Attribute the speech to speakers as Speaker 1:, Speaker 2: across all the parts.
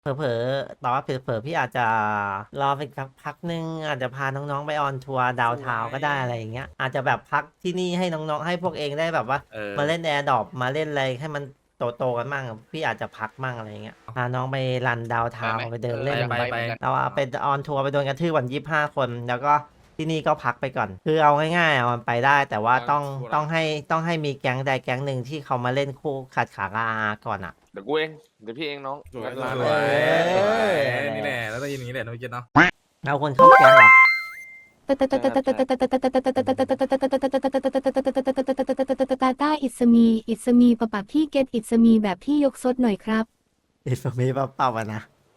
Speaker 1: เผลอๆแต่ว่าเผลอๆพี่อาจจะรอไปสักพักหนึ่งอาจจะพาน้องๆไปออนทัวร์ดาวเทาวน์ก็ได้อะไรอย่างเงี้ยอาจจะแบบพักที่นี่ให้น้องๆให้พวกเองได้แบบว่า
Speaker 2: เออ
Speaker 1: มาเล่นแอร์ดรอปมาเล่นอะไรให้มันโตกันมั่งพี่อาจจะพักมั่งอะไรอย่างเงี้ยพาน้องไปรันดาวเทา
Speaker 3: ไปไหม
Speaker 1: วน์ไปเดินเล่น
Speaker 3: อยากไป
Speaker 2: ไป
Speaker 3: เหมือนกัน
Speaker 1: เราเอาไปออนทัวร์ไปโดนกระทืบวัน25 คนแล้วก็ที่นี่ก็พักไปก่อนคือเอาง่ายๆอ่ะมันไปได้แต่ว่าต้องให้มีแก๊งใดแก๊งหนึ่งที่เขามาเล่นคู่ขัดขากับอาก่อนอ่ะ
Speaker 3: เดี๋ยวกูเองเดี๋ยวพี่เองน้อง
Speaker 4: สวย
Speaker 3: งัดร้าน
Speaker 2: ส
Speaker 3: เล
Speaker 2: วย
Speaker 3: ย
Speaker 2: สวย
Speaker 1: เออ
Speaker 2: นี่แหละแล้วต้องยินอย่างนี้แหละน้องเจนเนาะ
Speaker 1: เอาคนเข้าแก๊งเหรอ
Speaker 5: ตาต้าอิสมีปะปะพี่เกตอิสมีแบบพี่ยกซดหน่อยครับ
Speaker 1: อิสมีเปล่าๆอ่ะนะ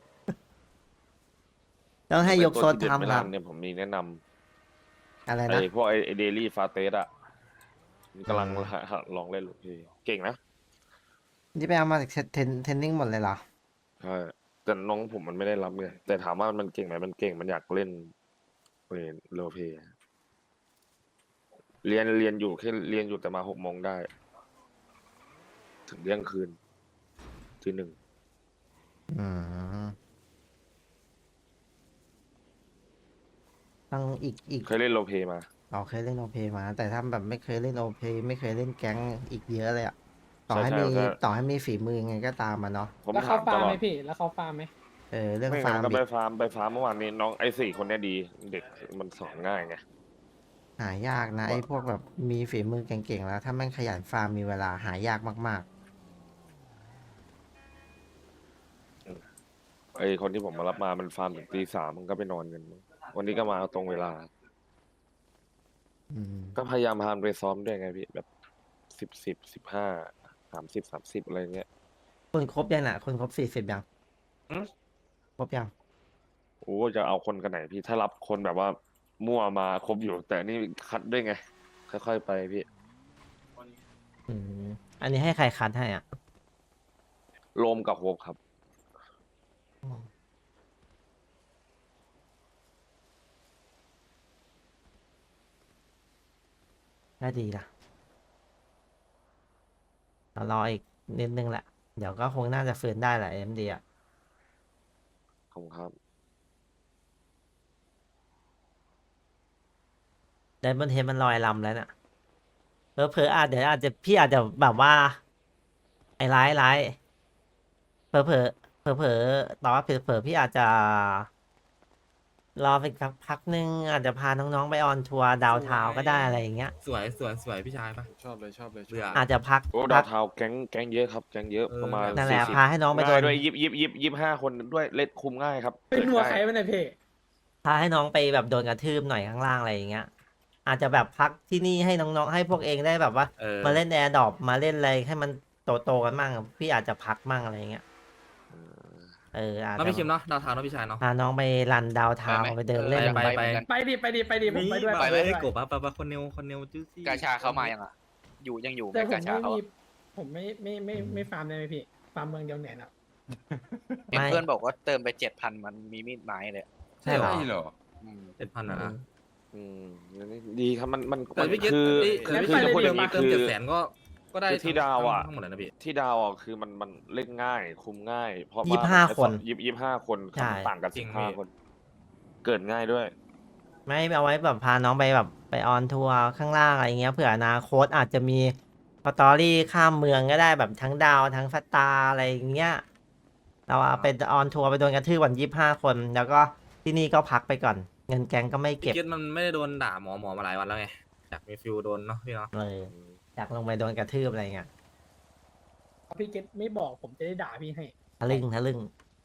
Speaker 1: ต้องให้ยกโซน
Speaker 3: เป็นตัวที่เด็ด
Speaker 1: ทำ
Speaker 3: ไม่
Speaker 1: ค
Speaker 3: ร้า
Speaker 1: รับ
Speaker 3: นเนี่ยผมมีแนะน
Speaker 1: อะไร
Speaker 3: ำ
Speaker 1: นะ
Speaker 3: พวกไอเดลี่ฟาเตสอะกำลังลองเล่นลูกพี่เก่งนะ
Speaker 1: นี่ไปเอามาจากเทนนิ่งหมดเลยเหรอ
Speaker 3: ใช่แต่น้องผมมันไม่ได้รับไงแต่ถามว่ามันเก่งไหมมันเก่งมันอยากเล่นโรลเพลย์เรียนอยู่แค่เรียนอยู่แต่มา6 โมงได้ ถึงเที่ยงคืนที่1
Speaker 1: อืมต้องอีก
Speaker 3: เคยเล่นโรลเพลย์มา
Speaker 1: เราเคยเล่นโอเพมา แต่ถ้าแบบไม่เคยเล่นโอเพไม่เคยเล่นแก๊งอีกเยอะเลยอ่ะ ต่อให้
Speaker 3: ใช่
Speaker 1: มี
Speaker 3: ใช่
Speaker 1: ต่อให้มีฝีมือไงก็ตามมาเนาะ
Speaker 3: ผม
Speaker 6: แล้ว
Speaker 3: ถา
Speaker 6: เขา
Speaker 3: ม
Speaker 6: ฟา
Speaker 3: ต
Speaker 6: ร์ม
Speaker 3: ลอ
Speaker 6: ไหม
Speaker 3: ด
Speaker 6: พี่ แล้วเขาฟาร์มไหม
Speaker 1: เรื่อง
Speaker 3: ไม่
Speaker 1: ฟา
Speaker 3: งั้
Speaker 1: ร์
Speaker 3: น
Speaker 1: ม
Speaker 3: ก็
Speaker 1: อี
Speaker 3: ไป
Speaker 1: ก
Speaker 3: ฟาร์มเมื่อวานนี้น้องไอ้4 คนเนี้ยดี เด็กมันสอนง่ายไง
Speaker 1: หายากนะไอ้พวกแบบมีฝีมือเก่งๆแล้ว ถ้าแม่งขยันฟาร์มมีเวลาหายากมาก
Speaker 3: ไอ้คนที่ผมมารับมามันฟาร์มถึงตี 3มันก็ไปนอนกัน วันนี้ก็มาเอาตรงเวลา
Speaker 1: ๆ
Speaker 3: ก็พยายามพามันไปซ้อมด้วยไงพี่แบบ10 15 30 30อะไรเงี้ย
Speaker 1: คุณครบยังน่ะคุณครบ40ยัง
Speaker 3: หืม
Speaker 1: ครบยัง
Speaker 3: โอ้จะเอาคนกันไหนพี่ถ้ารับคนแบบว่ามั่วมาครบอยู่ แต่นี่คัดด้วยไง ค่อยๆไปพี่
Speaker 1: อืมอันนี้ให้ใครคัดให้อ่ะ
Speaker 3: โลมกับโฮปครับ
Speaker 1: ก็ดีนะเรารออีกนิดนึงแหละ เดี๋ยวก็คงน่าจะฟื้นได้แหละMDอ่ะ
Speaker 3: ขอบคุณครับ
Speaker 1: ไดมอนเฮดมันลอยลำแล้วน่ะเผลอๆอาจเดี๋ยวอาจจะพี่อาจจะแบบว่า ไอ้ร้ายเผลอเผลอแต่ว่าเผลอพี่อาจจะรอไปสักพักหนึ่งอาจจะพาน้องๆไปออนทัวร์ดาวเทาวน์ก็ได้อะไรอย่างเงี้ย
Speaker 2: สวยพี่ชายปะ
Speaker 4: ชอบเลยชอบเลย
Speaker 2: เบื่อ
Speaker 1: อาจจะพัก
Speaker 3: โอ้ดาวเทาวน์แก๊งเยอะครับแก๊งเยอะประมาณ
Speaker 1: นั่นแหละ
Speaker 3: 40
Speaker 1: พาให้น้องไปโด
Speaker 3: ง่าย
Speaker 1: น
Speaker 3: ด้วย25 คนด้วยเล่นคุมง่ายครับ
Speaker 6: เป็นหัว
Speaker 3: ง่าย
Speaker 6: ใครมันเนี่ยพี่
Speaker 1: พาให้น้องไปแบบโดนกระทืบหน่อยข้างล่างอะไรอย่างเงี้ย อาจจะแบบพักที่นี่ให้น้องๆให้พวกเองได้แบบว่า
Speaker 2: เออ
Speaker 1: มาเล่นแอร์ดรอปมาเล่นอะไรให้มันโตกันมั่งพี่อาจจะพักมั่งอะไรอย่างเงี้ยอาจ
Speaker 2: น้อง
Speaker 1: จะ
Speaker 2: พี่คิมเนาะดาวเทาวน์เนาะพี่ชายเนาะ
Speaker 1: พาน้องไปรันดาวเทาวน์ไปเดินเล่น
Speaker 2: ไป
Speaker 3: เหมือนกัน
Speaker 6: ไปดิผมไปด้วย
Speaker 2: ไป
Speaker 6: ไป
Speaker 2: เล
Speaker 6: ด้วย
Speaker 2: ยกบปะคนเนวจูซี่
Speaker 7: กาชาเข้ามายังอ่ะ ยังอยู่ไหม
Speaker 6: แต่ผม
Speaker 7: กาชา
Speaker 6: ไม่
Speaker 7: เขา
Speaker 6: มี
Speaker 7: อะ
Speaker 6: ผมไม่ฟาร์มได้ไหมพี่ ฟาร์มเมืองเดียวเหนื่อยนะ
Speaker 7: เห็นเพื่อนบอกว่าเติมไป7,000มันมีมีดไม้เลย
Speaker 1: ใช่เหรอ
Speaker 4: เหรอ
Speaker 7: อืม
Speaker 2: 7,000อ่ะนะ
Speaker 3: อืมดีครับมัน
Speaker 2: แต่พี่เกต
Speaker 3: คือ
Speaker 2: แต่พี่
Speaker 3: คือ
Speaker 2: ชาย
Speaker 3: จะพูดอย่างนี้
Speaker 2: เติม
Speaker 3: คือ
Speaker 2: 700,000ก็ได้
Speaker 3: คือที่ดาวอะ
Speaker 2: ทั้งหมดเลยนะพี่
Speaker 3: ที่ดาวอ่ะคือมันเล่นง่าย คุมง่าย เพราะว่า
Speaker 1: 25 คน
Speaker 3: 25 คน
Speaker 1: ใช่
Speaker 3: ต่างกัน
Speaker 2: จริงพี่
Speaker 3: 15 คน เกิดง่ายด้วย
Speaker 1: ไม่เอาไว้แบบพาน้องไปแบบไปออนทัวร์ข้างล่างอะไรเงี้ยเผื่ออนาคตอาจจะมีสตอรี่ข้ามเมืองก็ได้แบบทั้งดาวทั้งสตาร์อะไรอย่างเงี้ยเราเอาไปออนทัวร์ไปโดนกระทืบวัน25 คนแล้วก็ที่นี่ก็พักไปก่อน เงินแก๊งก็ไม่
Speaker 2: พี่
Speaker 1: เก็บ
Speaker 2: เกตมันไม่ได้โดนด่าหมอมาหลายวันแล้วไงอยากมีฟิลโดนเนาะพี่เนาะ
Speaker 1: เลยอยากลงไปโดนกระทืบอะไรเงี้ย
Speaker 6: พี่เกตไม่บอกผมจะได้ด่าพี่ให้
Speaker 1: ทะลึ่ง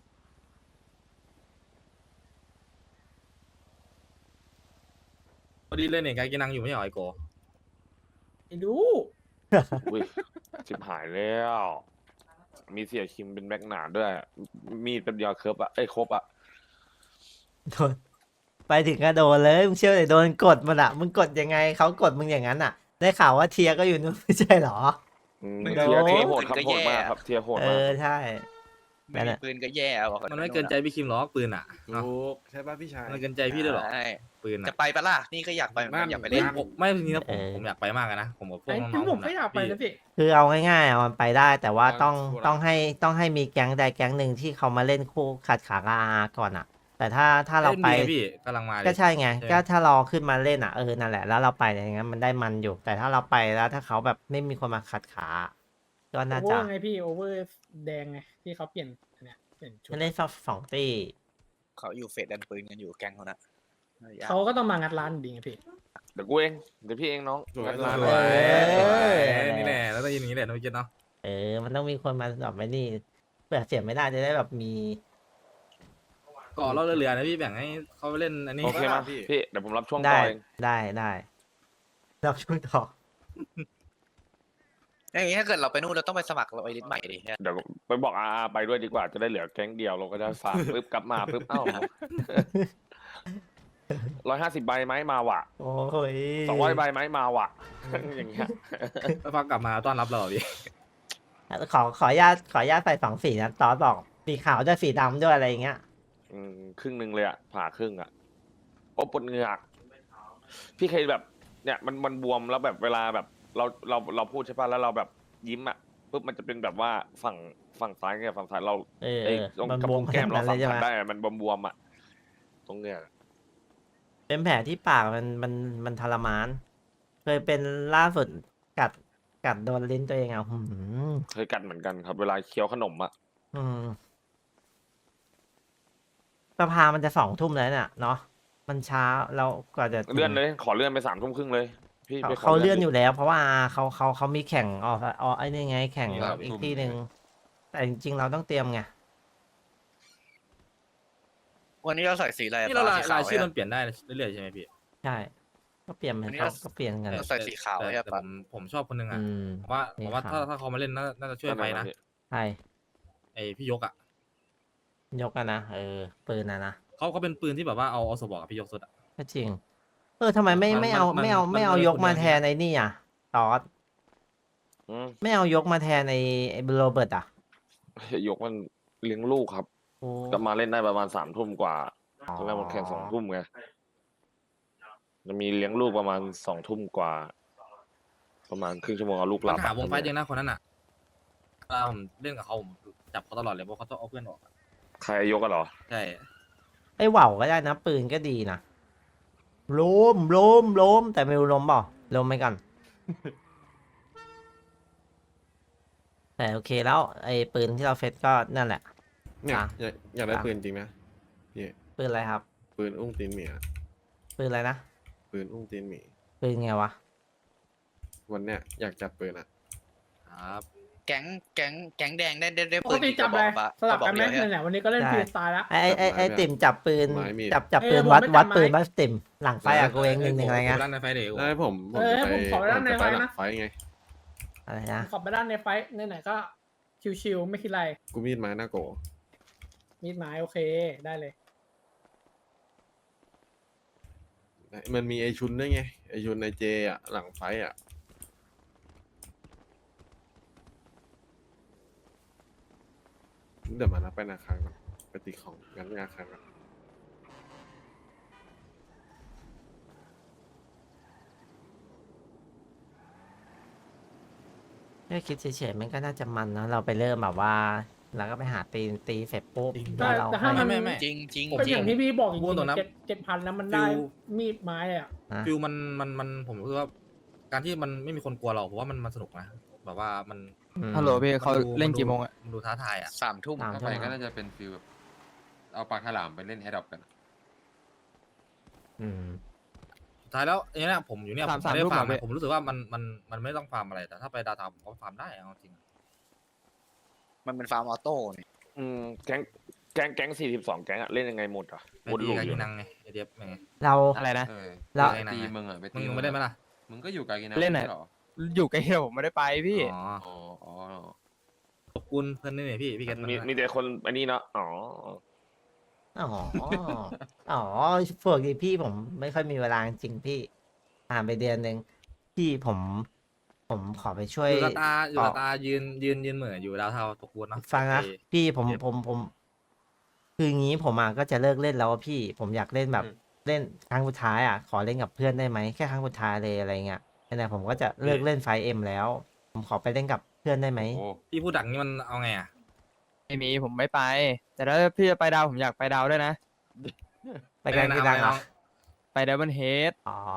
Speaker 2: พอดีเลยเนี่ยกายกินนังอยู่ไม่ใช่เหรอไอโก
Speaker 6: ไอ้ดู
Speaker 3: อุ้ยชิบหายแล้ว มีเสียคิมเป็นแบ็กหนาด้วย มีดเป็นยาเคิร์ฟอ่ะครบอ่ะ
Speaker 1: โดนไปถึงก็โดนเลยมึงเชื่อเลยโดนกดมันอะมึงกดยังไงเขากดมึงอย่างนั้นอะได้ข่าวว่าเทียก็อยู่นู้นไม่ใช่เหรอ
Speaker 3: อืม
Speaker 1: ไม่
Speaker 3: เทีย
Speaker 1: โดน
Speaker 3: ร์โหดครับโหดมากครับ เทียร์โหดมาก
Speaker 1: ใช่
Speaker 7: ไม่
Speaker 1: นั่น
Speaker 7: มี
Speaker 1: แหละ
Speaker 7: ปืนก็แย่บอก
Speaker 2: มันไม่เกินใจพี่คิมหรอกปืนอ่ะเนาะ
Speaker 4: ถูกใช่ป่ะพี่ชาย
Speaker 2: มันเกินใจพี่ด้วยเหรอ
Speaker 7: ใช่
Speaker 2: ปืน
Speaker 7: จะ
Speaker 2: อ่ะ
Speaker 7: ไปปะล่ะนี่ก็อยากไปเหมือนกันอยากไปเล่น
Speaker 2: ผมไม่จริงๆนะผม
Speaker 1: เออ
Speaker 2: ผมอยากไปมากอะนะผมกับพวก
Speaker 6: ไอ้
Speaker 2: น้องๆ
Speaker 6: ถึงผม
Speaker 2: นะ
Speaker 6: ก็อยากไปนะพี่
Speaker 1: คือเอาง่ายๆอะมันไปได้ แต่ว่า
Speaker 4: อ่า
Speaker 1: ต้อง
Speaker 4: ชัวร์ละ
Speaker 1: ต้องให้มีแก๊งใดแก๊งหนึ่งที่เขามาเล่นคู่ขัดขากับอาก่อนอ่ะ แต่ถ้าเราไป
Speaker 2: ล่นดีไงพี่กำลังมาเลย
Speaker 1: ก็ใช่ไง
Speaker 2: ใช่
Speaker 1: ก็ถ้าเราขึ้นมาเล่นอ่ะนั่นแหละแล้วเราไปอย่างงั้นมันได้มันอยู่ แต่ถ้าเราไปแล้วถ้าเขาแบบไม่มีคนมาขัดขา ก็
Speaker 6: โอ
Speaker 1: น่า
Speaker 6: เวอ
Speaker 1: จะ
Speaker 6: ร์ไงพี่โอเวอร์แดงไงที่เขาเปลี่ยนอันเนี่ยเปลี่ยนชุด
Speaker 1: เล่นสองตี
Speaker 7: เขาอยู่เฟสดันปืนกันอยู่แก๊งเขานะยาก
Speaker 6: เขาก็ต้องมางัดร้านดีไงพี่
Speaker 3: เดี๋ยวกูเองเดี๋ยวพี่เองน้อง
Speaker 4: สวย
Speaker 3: งัดร้าน
Speaker 2: ส
Speaker 3: เล
Speaker 2: วย
Speaker 3: ย
Speaker 2: นี่แหละแล้วต้องยินอย่างนี้แหละน้องเจนเนาะ
Speaker 1: มันต้องมีคนมาแบบไม่นี่เผื่อเสียไม่ได้จะได้แบบมี
Speaker 2: ก่อเราเรือๆนะพี่แบ่งให้เขาไปเล่นอันนี้
Speaker 3: โอเคมา
Speaker 4: พี่
Speaker 3: พี่เดี๋ยวผมรับช่วง
Speaker 1: ได้
Speaker 3: ต่อเอง
Speaker 1: ได้เราช่วยต่อ
Speaker 7: อย่างนี้ถ้าเกิดเราไปนู่นเราต้องไปสมัครเราไอริสใหม่ดิ
Speaker 3: เดี๋ยวไปบอกอาไปด้วยดีกว่าจะได้เหลือแก๊งเดียวเราก็จะฝาก ปึ๊บกลับมาปึ๊บเอ้า 150 ใบไหมมาว่ะ
Speaker 1: โอ้ย
Speaker 3: 200 ใบไหมมาว่ะ อย่างเงี้ย
Speaker 2: แล้วฟังกลับมาต้อนรับเราพี่
Speaker 1: ขออนุญาตใส่สองสีนะตอสบอกสีขาวด้วยสีดำด้วยอะไรอย่างเงี้ย
Speaker 3: ครึ่งหนึ่งเลยอ่ะผ่าครึ่งอ่ะโอ้ปวดเหงือกพี่เคยแบบ เนี่ยมันบวมแล้วแบบเวลาแบบเราพูดใช่ป่ะแล้วเราแบบยิ้มอ่ะปุ๊บมันจะเป็นแบบว่าฝั่งซ้ายกับฝั่งซ้ายเรา ไอ้ตรง
Speaker 1: มัน
Speaker 3: กระ
Speaker 1: บว
Speaker 3: พุ้
Speaker 1: ม
Speaker 3: งแก้มเรา
Speaker 1: ข
Speaker 3: สั
Speaker 1: นาม ดนั้นเลยใช่
Speaker 3: ผั
Speaker 1: ไห
Speaker 3: ส
Speaker 1: ม
Speaker 3: ได้อะมันบวมๆอ่ะตรงเนี้ย
Speaker 1: เป็นแผลที่ปากมันทรมาน เคยเป็นล่าสุดกัดโดนลิ้นตัวเองอ่ะ
Speaker 3: เคยกัดเหมือนกันครับ เวลาเคี้ยวขนมอ่ะ
Speaker 1: สภามันจะ2 ทุ่มแล้วเนี่ยเนาะมันช้าเรากว่าจะถึง
Speaker 3: เลื่อนเลยขอเลื่อนไป3 ทุ่มครึ่งเลย พี่ไปข
Speaker 1: เขาเลื่อน
Speaker 3: ดิ
Speaker 1: อยู่แล้ว เพราะว่าเขามีแข่งไอ้นี่ไงแข่ง
Speaker 4: ครับ
Speaker 1: อีกที่หนึ่งแต่จริงๆเราต้องเตรียมไง
Speaker 7: วันนี้เราใส่สีอะไร
Speaker 2: นี่เรา
Speaker 7: สีข
Speaker 2: รายชื่อ
Speaker 7: ไว้
Speaker 2: มันเปลี่ยนได้เรื่อยๆใช่ไหมพี่
Speaker 1: ใช่ก็เปลี่ยน
Speaker 7: อันนี้
Speaker 1: เขา
Speaker 7: เรา
Speaker 1: ก็เปลี่ยนกัน
Speaker 7: เราใส่สีขาว
Speaker 2: แต่
Speaker 7: ใช่
Speaker 2: แต่
Speaker 7: ปะ
Speaker 2: ผมชอบคนหนึงอ่ะ
Speaker 1: อืม
Speaker 2: ผมว่า
Speaker 1: สี
Speaker 2: ถ้า
Speaker 1: ขาว
Speaker 2: เขามาเล่นน่าจะช่วยไปนะ
Speaker 1: ใช่
Speaker 2: ไอพี่ยกอ่ะ
Speaker 1: ยกกันนะปืนนะ
Speaker 2: เขาเป็นปืนที่แบบว่าเอาสบอกกับพี่ยกสุดอ่ะ
Speaker 1: ก็จริงทำไมไม่เอา
Speaker 2: มัน
Speaker 1: ไม่เอา
Speaker 2: มัน
Speaker 1: ไม่เอา
Speaker 2: มัน
Speaker 1: ยกมา
Speaker 2: คนเดียว
Speaker 1: แทนไอ้นี่อ่ะตอส
Speaker 3: อืม
Speaker 1: ไม่เอายกมาแทนไอ้โรเบิร์ตอ่ะ
Speaker 3: ยกมันเลี้ยงลูกครับ
Speaker 1: โอ้
Speaker 3: ก็มาเล่นได้ประมาณ3 ทุ่มกว่า
Speaker 1: อ๋อ
Speaker 3: ตอนแรกมันแข่ง2 ทุ่มไงจะมีเลี้ยงลูกประมาณ2 ทุ่มกว่า ประมาณครึ่งชั่วโมงเอาลูกห
Speaker 2: ปั
Speaker 3: ลั
Speaker 2: ญ
Speaker 3: บ
Speaker 2: หาวงไฟยังนะคนนั้นอ่ะเวลาผมเล่นกับเขาผมจับเขาตลอดเลยเพราะเขาต้องเอาเพื่อนออกอะ
Speaker 3: ใครยกกันเหรอ
Speaker 2: ใช่
Speaker 1: ไอ้ว่าวก็ได้นะปืนก็ดีนะล้มแต่ไม่รู้ล้มเปล่าล้มไหมกัน แต่โอเคแล้วไอ้ปืนที่เราเฟซก็นั่นแหละ
Speaker 4: เนี่ย
Speaker 1: อ่ะ
Speaker 4: อยากได้ปืนจริงไหมพี่
Speaker 1: ปืนอะไรครับ
Speaker 4: ปืนอุ้งตีนหมีอะ
Speaker 1: ปืนอะไรนะ
Speaker 4: ปืนอุ้งตีนหมี
Speaker 1: ปืนไงวะ
Speaker 4: วันเนี้ยอยากจับปืนอ่ะ
Speaker 2: ครับ
Speaker 7: แก๊งแดงได้
Speaker 6: ปกติจับเลยสลับกันไหม
Speaker 7: กระบอกเดียว
Speaker 6: เนี่ยวันนี้ก็เล่น
Speaker 1: ได้
Speaker 6: ฟรีสไตล์แล้ว
Speaker 1: ไอ้ติ่มจับปืน
Speaker 4: ไม้มีด
Speaker 1: จับปืน
Speaker 6: ผม
Speaker 1: วัด
Speaker 6: ไม่
Speaker 1: วัด
Speaker 6: จำไม้
Speaker 1: ปืนวัดติ่มหลังไฟอะกูเองหนึ่งอะไรเงี้ย
Speaker 2: ด้านในไฟเดี๋ยว
Speaker 4: ได้ผม
Speaker 6: ให้
Speaker 4: จะ
Speaker 6: ผมขอไปด้านใน
Speaker 4: จะ
Speaker 6: ไฟ
Speaker 4: หลั
Speaker 6: นะ
Speaker 4: งไฟไง
Speaker 1: อะไรนะ
Speaker 6: ขอบไปด้านในไฟท์ไหนๆก็ชิวๆไม่คิดอะไร
Speaker 4: กูมีดไม้หน้าโก
Speaker 6: มีดไม้โอเคได้เลย
Speaker 4: มันมีไอชุนด้วยไงไอชุนในเจอ่ะหลังไฟอ่ะเดี๋ยวมารับไปนาคารก่อนไปตีของงั้นนาคารก่อน
Speaker 1: แค่คิดเฉยๆมันก็น่าจะมันนะเราไปเริ่มแบบว่า แล้วก็ไปหาตีเสร็จปุ๊บ
Speaker 6: แต่
Speaker 1: แล้วเรา
Speaker 6: แต่ถ้ามัน
Speaker 2: ไม่
Speaker 7: จริงจริง
Speaker 6: ก็อย่างที่พี่บอกจริง
Speaker 2: พูดตรงนะ
Speaker 6: ๆ7,000แล้วมันได้
Speaker 2: ฟิล
Speaker 6: มีดไม้อะ
Speaker 1: นะ
Speaker 2: ฟิลมันผมรู้สึกว่า การที่มันไม่มีคนกลัวเราผมว่ามันสนุกนะแบบว่ามัน
Speaker 8: ฮัลโหลพี่เขา
Speaker 2: มันดู
Speaker 8: เล่นกี่โมงอะ
Speaker 2: มันดูท้าทายอ่ะ
Speaker 7: 3 ทุ่ม
Speaker 1: 3
Speaker 9: ถ้า
Speaker 1: ชั่ว
Speaker 9: ไป
Speaker 1: โมง
Speaker 9: ก็น่าจะเป็นฟิลแบบเอาปลาฉลามไปเล่นแฮดดอปกัน
Speaker 1: อืม
Speaker 2: สุดท้ายแล้วอย่างเนี้ยผมอยู่เนี่ยผม
Speaker 8: สาม
Speaker 2: ไม่ได้
Speaker 8: ทุ่ม
Speaker 2: ฟาร์ม
Speaker 8: เหรอ
Speaker 2: นะผมรู้สึกว่ามันไม่ต้องฟาร์มอะไรแต่ถ้าไปดาวทาวน์ผมก็ฟาร์มได้เอาจริง
Speaker 7: มันเป็นฟาร์มออโต้นี่
Speaker 3: แก๊ง42 แก๊งอะเล่นยังไงหมดอ่ะ
Speaker 2: ไอ
Speaker 3: วน
Speaker 2: ดี
Speaker 3: ลูป
Speaker 2: กา
Speaker 3: อ
Speaker 2: กิ
Speaker 3: ยู่
Speaker 2: นั
Speaker 3: นะ
Speaker 2: งไงไอเดียบไง
Speaker 1: เรา
Speaker 8: อะไรนะ
Speaker 9: เออ
Speaker 1: แล้ว
Speaker 9: ไปตีมึงอ่ะไป
Speaker 2: มึ
Speaker 9: ตี
Speaker 2: งไม่ได้ไหมล่ะ
Speaker 9: มึงก็อยู่กากินั
Speaker 8: เล่นไหน
Speaker 9: ม่ใช่หรอ
Speaker 8: อยู่ไกลเดียวผมไม่ได้ไปพี่
Speaker 2: อ๋อ
Speaker 9: อ๋ออ๋อ
Speaker 2: ขอบคุณเพื่อนนี่เนี่ยพี่แก
Speaker 3: มีแต่คนอันนี้เนาะอ๋อ
Speaker 1: อ๋ออ๋อพวกนี้พี่ผมไม่ค่อยมีเวลาจริงๆพี่ผ่านไปเดือนหนึ่งพี่ผมผมขอไปช่วย
Speaker 2: อยู่กับตาอยู่กับ
Speaker 1: ต่อ
Speaker 2: ตายืนเหม่ออยู่ดาวเทาตกวนเนาะ
Speaker 1: ฟังนะ
Speaker 2: โอเค
Speaker 1: พี่ผม
Speaker 2: เจ็บ
Speaker 1: ผมคืองี้ผมอ่ะก็จะเลิกเล่นแล้วอะพี่ผมอยากเล่นแบบเล่นครั้งสุดท้ายอ่ะขอเล่นกับเพื่อนได้ไหมแค่ครั้งสุดท้ายเลยอะไรเงี้ยแต่ผมก็จะเลิกเล่นไฟเอ็มแล้ว ผมขอไปเล่นกับเพื่อนได้ไหม
Speaker 9: โอ้
Speaker 2: พี่พูดดังนี้มันเอาไงอ่ะ
Speaker 8: ไม่มีผมไม่ไป แต่ถ้าพี่จะไปดาวผมอยากไปดาวด้วยนะ
Speaker 1: ไปกัน
Speaker 2: ไม่
Speaker 1: กี่
Speaker 2: ได้
Speaker 1: ดัง
Speaker 2: นะ
Speaker 1: อ่ะ
Speaker 8: ไปดับเบิลเฮด
Speaker 1: อ๋อ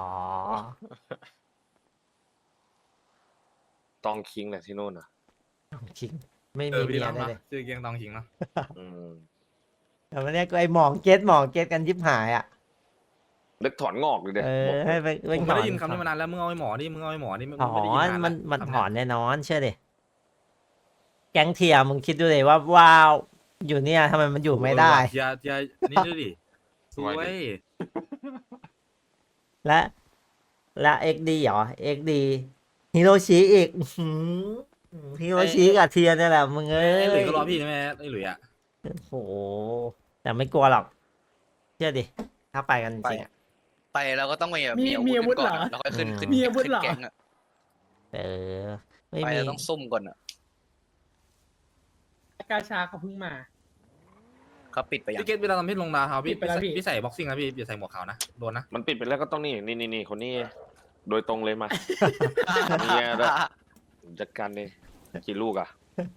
Speaker 3: ตองคิงแหละที่นู่นอ่ะ
Speaker 1: จริงไม่
Speaker 2: เอ
Speaker 1: มี
Speaker 2: อ
Speaker 1: เมี
Speaker 2: พี่
Speaker 1: ย
Speaker 2: ต้อง
Speaker 1: ได้
Speaker 2: เนาะ
Speaker 1: เลย
Speaker 2: ชื่อเกียงตองขิงเนาะ
Speaker 3: อืม
Speaker 1: แต่วันนี้ก็ไอหมองเก็ตกันยิบหายอ่ะ
Speaker 3: เล็กถอนงอกเลยเด็ก
Speaker 1: เออ
Speaker 3: บอก
Speaker 1: ให้ไป
Speaker 2: ผมไม่ได้ยินคำนี้มานานแล้วมึงเอาไอ้หมอนี่มึงเอาไอ้หมอนี่มึง
Speaker 1: ถอ
Speaker 2: ไม่ได้ยิน
Speaker 1: น
Speaker 2: นาน
Speaker 1: มัน
Speaker 2: แล้ว
Speaker 1: มัน
Speaker 2: คำ
Speaker 1: ถ
Speaker 2: เนี้ย
Speaker 1: อนแน่นอนเชื่อดิแก๊งเทียร์มึงคิดดูเลยว่าว้าวอยู่เนี่ยทำไมมันอยู่ไม่ได้
Speaker 2: อย่านี่ดูดิสวย
Speaker 1: และเอ็กดีเหรอเอ็กดีฮิโรชิอีกฮิโรชิกับเทียร์เนี่ยแหละมึงเอ้
Speaker 2: ไอ้หลุย
Speaker 1: ย
Speaker 2: ก็รอพี่ใช่ไหมไอ้หลุยอ่ะ
Speaker 1: โอ้โหแต่ไม่กลัวหรอกเชื่อดิถ้าไปกันจริงอะ
Speaker 7: ไปเราก็ต้องมีแบบ
Speaker 6: มี
Speaker 7: มีอาวุธ
Speaker 6: มี
Speaker 7: กันก่อน
Speaker 6: อาวุธเหรอ
Speaker 7: อะแล้วค่อยขึ้น
Speaker 1: อืม
Speaker 7: ขึ้น
Speaker 6: มีอาวุธ
Speaker 7: ขึ้น
Speaker 6: เหรอ
Speaker 7: แก๊งอะ
Speaker 1: เออไม่
Speaker 7: ไป
Speaker 1: มี
Speaker 7: เราต้องซุ่มก่อนอะ
Speaker 6: กาชาเขาเพิ่งมา
Speaker 7: เขาปิดไปยัง
Speaker 2: พี่เกตเวลาทำพี่ลงดาวเทาพี่
Speaker 6: ปิดไปแล้วพี่
Speaker 2: พี่ใส่บ็อกซิ่งนะพี่อย่าใส่หมวกขาวนะโดนนะ
Speaker 3: มันปิดไปแล้วก็ต้องนี่คนนี้โดยตรงเลยมา เนี่ยแล้ว จัดการเลยกี่ลูกอ่ะ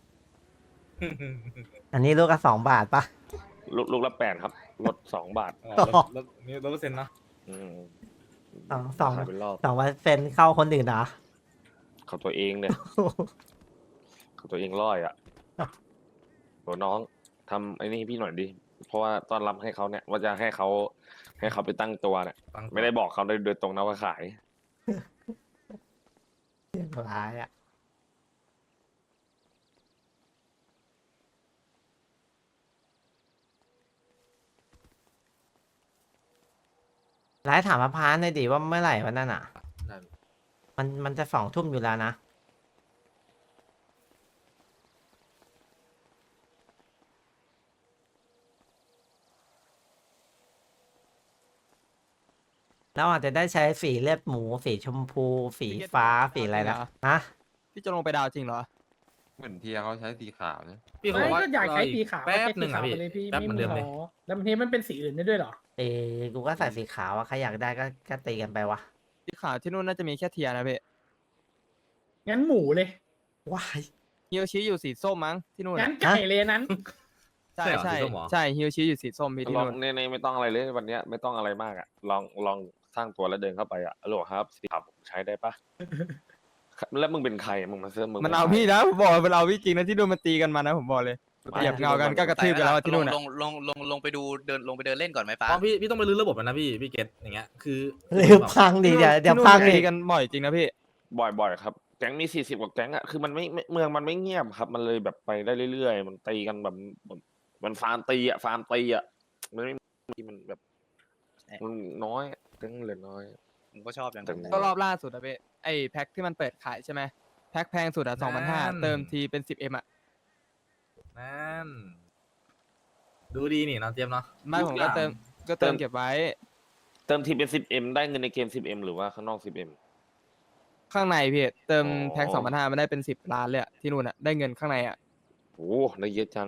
Speaker 1: อันนี้ลูกละ2 บาทปะ
Speaker 3: ลูกละ8ครับลด2 บาท
Speaker 2: อ๋อแล้วนี่100%เนาะ
Speaker 3: อืม
Speaker 1: สอง
Speaker 3: ขายเป็นรอบ
Speaker 1: 2%เข้าคนอื่นเหรอ
Speaker 3: เขาตัวเองเนี่ยเขาตัวเองร้อยอ่ะโหน้องทำไอ้นี่ให้พี่หน่อยดิเพราะว่าต้อนรับให้เขาเนี่ยว่าจะให้เขาไปตั้งตัวเนี่ย
Speaker 2: ตั้งตัว
Speaker 3: ไม่ได้บอกเขาโดยตรงนะว่าขาย
Speaker 1: เรื่องร้ายอ่ะร้ายถามพระพานหน่อยดิว่าเมื่อไหร่วันนั้นอ่ะ
Speaker 2: ได้
Speaker 1: มันจะ20 ทุ่มอยู่แล้วนะ เราอาจจะได้ใช้สีเลือดหมู สีชมพู สีฟ้า สีอะไรนะฮะ
Speaker 8: พี่จะลงไปดาวจริงเหรอ
Speaker 9: เหมือนเทียเขาใช้สีขาวนะ
Speaker 2: พี่เขาบอกว่า
Speaker 6: ก็อยากใช้สีขาว
Speaker 2: แป๊บหนึ่งอ่ะ
Speaker 6: ก็
Speaker 2: พี่
Speaker 6: ใช้สีขาวไปเลยพี่
Speaker 2: แป๊บเหมือนเดิมเลย
Speaker 6: แล้วมันเทมันเป็นสีอื่นได้ด้วยเหรอ
Speaker 1: กูก็ใส่สีขาวอะใครอยากได้ก็ตีกันไปวะ
Speaker 8: สีขาวที่นู่นน่าจะมีแค่เทียนะพี่
Speaker 6: งั้นหมูเลย
Speaker 1: ว้าย
Speaker 8: ฮิโรชิอยู่สีส้มมั้งที่นู่น
Speaker 6: งั้
Speaker 8: อะ
Speaker 6: นไก่เลยนั้น
Speaker 8: ใช่
Speaker 2: ใช่
Speaker 8: ใช่
Speaker 2: เหรอสีส้มเหรอ
Speaker 8: ใช่ฮิโรชิอยู่สีส้มพี่ที่
Speaker 3: ลอง
Speaker 8: นู่น
Speaker 3: ในไม่ต้องอะไรเลยวันเนี้ยไม่ต้องอะไรมากอ่ะลองสร้างตัวแล้วเดินเข้าไปอ่ะฮัลโหลครับสีขาวผมใช้ได้ปะ แล้วมึงเป็นใครอะมึงมาเสื้อมึง
Speaker 8: มัน
Speaker 3: ป็
Speaker 8: เอา
Speaker 3: ใคร
Speaker 8: พี่นะผมบอกมันเอาพี่จริงนะที่นู่นมันตีกันมานะผมบอกเลย
Speaker 3: ไม่
Speaker 8: เหยียบเงากันก็กระทืบกันแล้วที่นู่น
Speaker 7: ล
Speaker 8: อะ
Speaker 7: งไปดูลงไปเดินเล่นก่อนไหมป้า
Speaker 2: อ๋อพี่ต้องไปรื้อระบบแล้วนะพี่เกตอย่างเงี้ยคือ
Speaker 1: เร็วพังดิเดี๋ยว
Speaker 8: ที่นู่น
Speaker 1: พัง
Speaker 8: ตี
Speaker 1: ดิ
Speaker 8: กันบ่อยจริงนะพี่
Speaker 3: บ่อยครับแก๊งมี40กว่าแก๊งอ่ะคือมันไม่เมืองมันไม่เงียบครับ มันเลยแบบไปได้เรื่อยๆมันตีกันแบบมันฟาร์มตีอ่ะมันไม่มีมันแบบมันน้อยแก๊งเหลือน้อย
Speaker 7: ผมก็ชอบอย่างนั้น
Speaker 3: แต่
Speaker 8: ก็รอบล่าสุดอะพี่ไอแพ็คที่มันเปิดขายใช่ไหมแพ็คแพงสุดอะ2,500เติมทีเป็น 10M อะ
Speaker 2: นั่นดูดีนี่น้องเจมส์เนาะ
Speaker 8: ไม่ผมก็เติมเก็บไว้
Speaker 3: เติมทีเป็น 10M ได้เงินในเกม 10M หรือว่าข้างนอก 10M
Speaker 8: ข้างในพี่เติม
Speaker 3: อ๋อ
Speaker 8: แพ็ค2,500มันได้เป็น10 ล้านเลยอะที่นู่นอะได้เงินข้างในอะ
Speaker 3: โอ้ได้เยอะจัง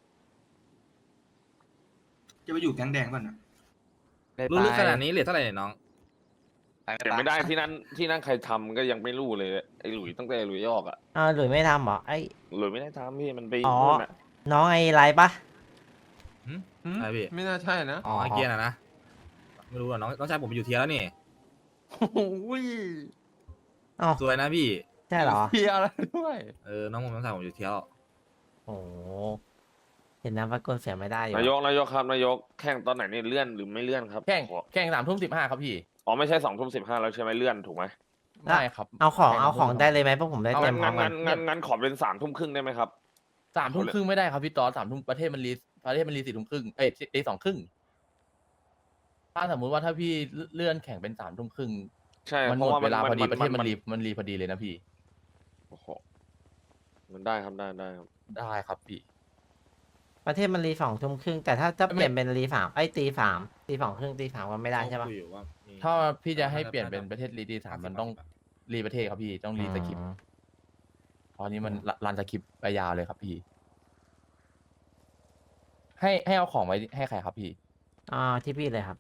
Speaker 10: จะไปอยู่แก๊งแดงป่ะน่ะ
Speaker 2: รู้ลึกขนาดนี้เหลือเท่าไหร่เนี่ยน้อง
Speaker 3: แต่ไม่ได้ที่นั่นใครทำก็ยังไม่รู้เลยไอ้หลุยตั้งแต่หลุยออกอ่ะ
Speaker 1: หลุยไม่ทำเหรอไอ้
Speaker 3: หลุยไม่ได้ทำพี่มันไป
Speaker 1: อ๋อ
Speaker 3: นู่นอ่ะ
Speaker 1: น้องไอ้ไรปะ
Speaker 2: อะไรพี่
Speaker 9: ไม่น่าใช่นะ
Speaker 2: อ๋อไอเกียร์นะไม่รู้อ่ะน้องชายผมไปอยู่เทียร์แล้วนี่
Speaker 9: โอ้ย
Speaker 1: อ๋อ
Speaker 2: สวยนะพี่
Speaker 1: ใช่เหรอ
Speaker 9: เทียอะไรด้วย
Speaker 2: น้องชายผมอยู่เทียร์แล้ว
Speaker 1: โอ้โหเห็นน้ำพักกลเสียไม่ได้อยู่
Speaker 3: นายกครับนายกแข่งตอนไหนนี่เลื่อนหรือไม่เลื่อนครับ
Speaker 10: แข่ง
Speaker 3: ขอ
Speaker 10: แข่ง3 ทุ่ม 15ครับพี่
Speaker 3: อ๋อไม่ใช่2 ทุ่ม 15แล้วใช่ไหมเลื่อนถูกไหม
Speaker 10: ได้ครับ
Speaker 1: เอาของได้เลยไหมพวกผมได้เตรียมพร้อมกัน
Speaker 3: งั้นขอเป็น3 ทุ่มครึ่งได้ไหมครับ
Speaker 10: 3 ทุ่มครึ่งไม่ได้ครับพี่ตอน3 ทุ่มประเทศมันรี4 ทุ่มครึ่งตี 2 ครึ่งถ้าสมมุติว่าถ้าพี่เลื่อนแข่งเป็น3 ทุ่มครึ่ง
Speaker 3: ใช่
Speaker 10: มัน
Speaker 3: เพ
Speaker 10: หม
Speaker 3: ราะ
Speaker 10: ด
Speaker 3: ว่า
Speaker 10: เวลาพอดีประเทศ
Speaker 3: มั
Speaker 10: มันรีพอดีเลยนะพี่
Speaker 3: โอ้โหมันได้ครับได้ครับ
Speaker 10: ได้ครับพี่
Speaker 1: ประเทศมันรี20:30แต่ถ้าเปลี่ยนเป็นรี3ตี3ตี 2:30ตี 3ก็ไม่ได้ใช่ปะ
Speaker 2: คุยอยู่ว่ามี
Speaker 10: ถ้าพี่จะให้เปลี่ยนเป็นประเทศรีตี 3มันต้องรีประเทศครับพี่ต้องรีสคริปต์ตอนนี้มันรันสคริปต์ไปยาวเลยครับพี่ ให้เอาของไว้ให้ใครครับพี่
Speaker 1: ที่พี่เลยครับ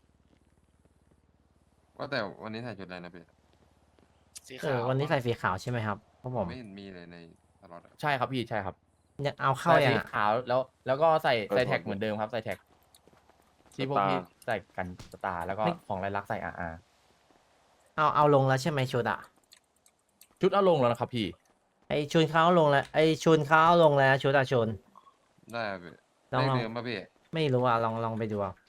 Speaker 9: ว่าแต่วันนี้ใส่ชุดอะไรนะพี่
Speaker 7: สีขาว
Speaker 1: วันนี้ใส่สีขาวใช่ไหมครับเพราะผม
Speaker 9: ไม่เห็นมีเลยในตลอดอะ
Speaker 10: ใช่ครับพี่ใช่ครับ
Speaker 1: ยังเอาเข้า
Speaker 10: ใส่
Speaker 1: ยัง
Speaker 10: สี
Speaker 1: อะ
Speaker 10: ขาวแล้วก็ใส่
Speaker 3: เออ
Speaker 10: แท็ก
Speaker 3: ผม
Speaker 10: เหมือนเดิมครับใส่แท็กที่พวก
Speaker 3: สตาร์
Speaker 10: พี่ใส่กันสตาร์แล้วก็ของลายลักษณ์ใส่อาร์
Speaker 1: เอาลงแล้วใช่ไหมชุดอะ
Speaker 10: ชุดเอาลงแล้วนะครับพี่
Speaker 1: ไอชุนเขาเอาลงแล้วไอชุนเขาเอาลงแล้วชุดอะชุน
Speaker 9: ได้ครับพี่
Speaker 1: ลอง
Speaker 9: เลข
Speaker 1: ลอง
Speaker 9: เดิมป่ะพี่
Speaker 1: ไม่รู้อ่ะลองไปดูเอา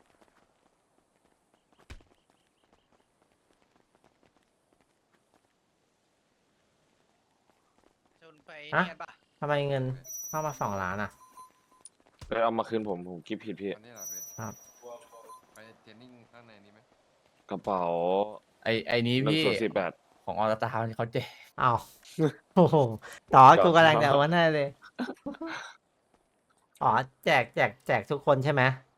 Speaker 7: ชนไปเนี่ยปะ
Speaker 1: ทำไมเงินเข้ามา2 ล้านอ่ะ
Speaker 3: เอามาคืนผมคิดผิดพี่
Speaker 9: วันนี้เหรอพี่
Speaker 1: ครับ
Speaker 9: ไปเทรนนิ่งข้างในนี้ไหม
Speaker 3: กระเป๋า
Speaker 10: ไอนี้
Speaker 3: เงิน
Speaker 10: พี่
Speaker 3: สด18
Speaker 10: ของออตาเขาแจก
Speaker 1: อ้าว โอ้โหต่อ
Speaker 3: จอด
Speaker 1: กูกำลังจะโอนให้เลย อ๋อแจกทุกคนใช่ไหม